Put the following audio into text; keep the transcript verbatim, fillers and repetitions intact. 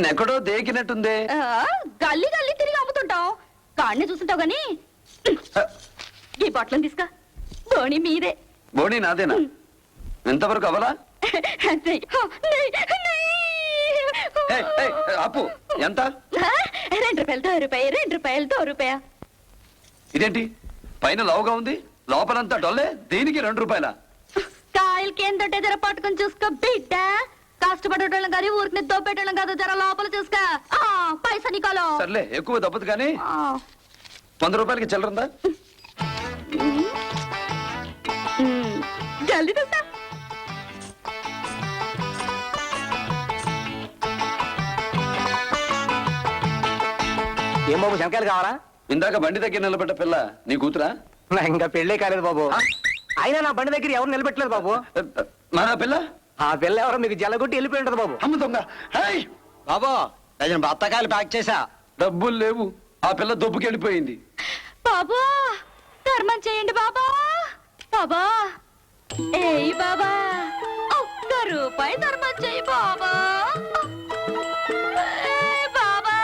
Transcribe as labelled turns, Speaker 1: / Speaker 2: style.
Speaker 1: నిన్నెక్కడో దేకినట్టుందే.
Speaker 2: గల్లీ గల్లీ తిరిగి అమ్ముతుంటాం, కాడిని చూస్తుంటావు గాని ఈ బట్టలను తీసుకా. బోణి మీదే.
Speaker 1: బోణి నాదేనా? ఎంతవరకు అవలా? అప్పు ఎంత?
Speaker 2: రెండు రూపాయలు దో రూపాయి, రెండు రూపాయలు దో రూపాయ.
Speaker 1: ఇదేంటి పైన లావుగా ఉంది, లోపలంతా డొల్లే, దీనికి రెండు రూపాయల?
Speaker 2: కాయలకి ఏం దొడ్డే జర పట్టుకుని చూసుకో బిడ్డ. కష్టపడేటోళ్ళం కానీ ఊరికి దోపేటోళ్ళం కాదు, జర లోపల చూసుకో. పైసా నీకోలో.
Speaker 1: సర్లే, ఎక్కువ దప్పదు కానీ వంద రూపాయలకి చిల్లరుందా?
Speaker 2: జల్దీ చూస్తా.
Speaker 3: ఏం బాబు, శంకాయలు కావాలా?
Speaker 1: ఇందాక బండి దగ్గర నిలబడ్డ పిల్ల నీ కూతురా?
Speaker 3: ఇంకా పెళ్ళే కాలేదు బాబు. అయినా నా బండి దగ్గర ఎవరు నిలబెట్టలేదు బాబు.
Speaker 1: మన పిల్ల?
Speaker 3: ఆ పిల్ల ఎవరో మీకు జల్లగొట్టి వెళ్ళిపోయి ఉంటది బాబు.
Speaker 1: అమ్మ దొంగ.
Speaker 3: బాబు డజన్ బత్తకాయలు ప్యాక్ చేసా.
Speaker 1: డబ్బులు లేవు, ఆ పిల్ల దొబ్బుకి వెళ్ళిపోయింది.
Speaker 2: బాబా ధర్మం చేయండి బాబా. బాబా ఏయ్ బాబా, ఒక్క రూపాయి ధర్మం చేయి బాబా.